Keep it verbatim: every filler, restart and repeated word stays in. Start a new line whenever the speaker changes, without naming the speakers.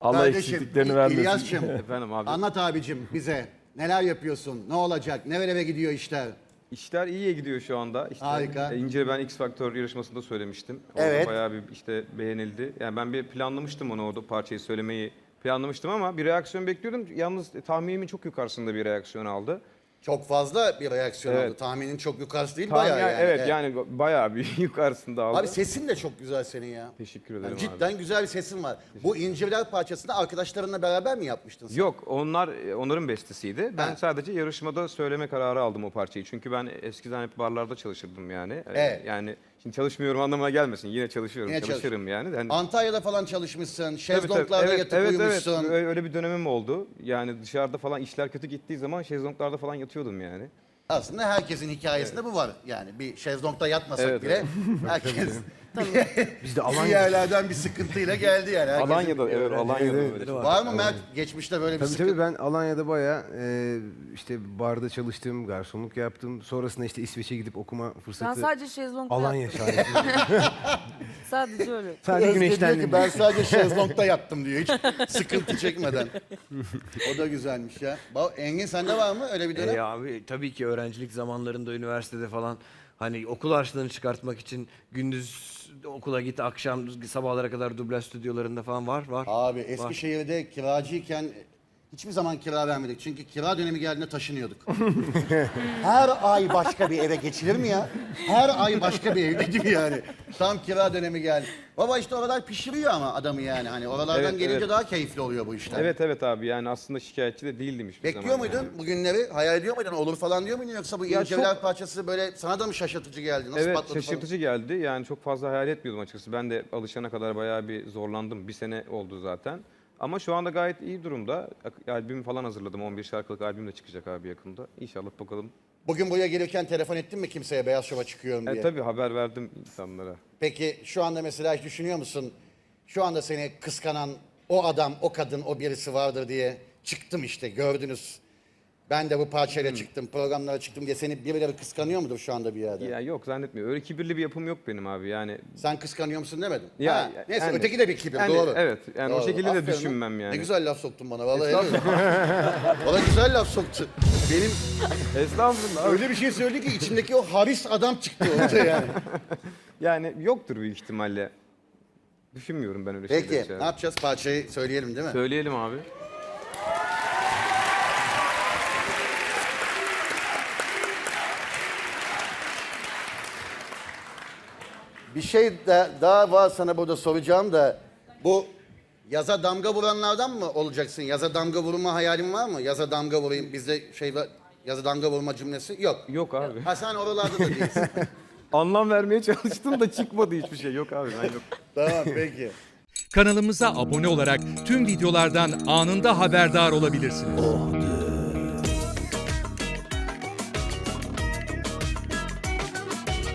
Allah
Kardeşim,
eksikliklerini
İ-
vermesin.
İlyas'cığım,
Efendim abi.
anlat abicim bize. Neler yapıyorsun? Ne olacak? Nerelere gidiyor işler?
İşler iyiye gidiyor şu anda. İşte,
Harika.
e, İnce ben X Factor yarışmasında söylemiştim. Orada
Evet.
bayağı bir işte beğenildi. Yani ben bir planlamıştım onu orada parçayı söylemeyi planlamıştım ama bir reaksiyon bekliyordum. Yalnız e, tahminimin çok yukarısında bir reaksiyon aldı.
Çok fazla bir reaksiyon
Evet.
oldu. Tahminin çok yukarısı değil,
Tahmin-
bayağı yani.
Evet, yani bayağı bir yukarısında aldı.
Abi sesin de çok güzel senin ya.
Teşekkür ederim
Yani
abi.
cidden güzel bir sesin var. Bu İncirler parçasını arkadaşlarınla beraber mi yapmıştın sen?
Yok, onlar onların bestesiydi. Ben
Ha.
sadece yarışmada söyleme kararı aldım o parçayı. Çünkü ben eskiden hep barlarda çalışırdım yani. Ee,
Evet.
Yani şimdi çalışmıyorum anlamına gelmesin. Yine çalışıyorum,
Yine çalış-
çalışırım yani. Yani
Antalya'da falan çalışmışsın,
Tabii, tabii.
şezlonglarda
Evet,
yatıp
evet,
uyumuşsun.
Evet, öyle öyle bir dönemim oldu. Yani dışarıda falan işler kötü gittiği zaman şezlonglarda falan yatıyordum yani.
Aslında herkesin hikayesinde bu var. Yani bir şezlongda yatmasak
Evet,
bile herkes
Biz de
bir
Alanya.
yerlerden bir sıkıntıyla geldi yani. Herkesin-
Alanya'da, evet, Alanya'da
evet,
böyle.
evet.
çok-
Var mı Mert? Geçmişte böyle bir
Tabii
sıkıntı.
tabii ben Alanya'da bayağı e, işte barda çalıştım, garsonluk yaptım. Sonrasında işte İsveç'e gidip okuma
Ben
fırsatı.
sadece şezlongda
Alanya
yattım.
şahidi.
Sadece öyle.
Sadece
Özge diyor ki
güneşlendim.
ben sadece şezlongda yattım diyor. Hiç sıkıntı çekmeden. O da güzelmiş ya. Ba- Engin sende var mı öyle bir dönem?
E abi tabii ki öğrencilik zamanlarında üniversitede falan hani okul harçlığını çıkartmak için gündüz okula git, akşam sabahlara kadar dublaj stüdyolarında falan var var.
Abi
var.
Eskişehir'de kiracıyken hiçbir zaman kira vermedik. Çünkü kira dönemi geldiğinde taşınıyorduk. Her ay başka bir eve geçilir mi ya? Her ay başka bir evdeydim yani. Tam kira dönemi geldi. Baba işte oralar pişiriyor ama adamı yani. Hani oralardan
Evet,
gelince
evet.
daha keyifli oluyor bu işler.
Evet evet abi, yani aslında şikayetçi de değildim hiçbir
Bekliyor
zaman.
muydun
yani.
bu günleri? Hayal ediyor muydun? Olur falan diyor muydun? Yoksa bu
Ya
İncevler
çok-
parçası böyle sana da mı şaşırtıcı geldi? Nasıl
Evet,
patladı
şaşırtıcı geldi. Yani çok fazla hayal etmiyordum açıkçası. Ben de alışana kadar bayağı bir zorlandım. Bir sene oldu zaten. Ama şu anda gayet iyi durumda. Ak- Albüm falan hazırladım. on bir şarkılık albüm de çıkacak abi yakında. İnşallah bakalım.
Bugün buraya gelirken telefon ettin mi kimseye Beyaz Şov'a çıkıyorum diye?
E, tabii haber verdim insanlara.
Peki şu anda mesela hiç düşünüyor musun? Şu anda seni kıskanan o adam, o kadın, o birisi vardır diye çıktım işte gördünüz. Ben de bu parçayla
Hmm.
çıktım, programlara çıktım diye seni birileri kıskanıyor mudur şu anda bir yerde?
Ya yok, zannetmiyorum. Öyle kibirli bir yapım yok benim abi. Yani
Sen kıskanıyor musun demedim.
Ya,
Ha, neyse
yani-
öteki de bir kibir
yani
doğru.
evet, yani o
Doğru.
şekilde de
Aferin lan.
düşünmem yani.
Ne güzel laf soktun bana vallahi. helal olsun. Bana güzel laf soktu. Benim
Estağfurullah.
öyle bir şey söyledi ki içimdeki o haris adam çıktı ortaya yani.
Yani yoktur büyük ihtimalle. Düşünmüyorum ben öyle
Peki
şeyler.
ne yapacağız? Parçayı söyleyelim değil mi?
Söyleyelim abi.
Bir şey de, daha var sana burada soracağım da bu yaza damga vuranlardan mı olacaksın? Yaza damga vurma hayalin var mı? Yaza damga vurayım bizde şey var. Yaza damga vurma cümlesi yok.
Yok abi.
Ha sen oralarda da değilsin.
Anlam vermeye çalıştım da çıkmadı hiçbir şey. Yok abi, ben yok.
Tamam peki.
Kanalımıza abone olarak tüm videolardan anında haberdar olabilirsiniz.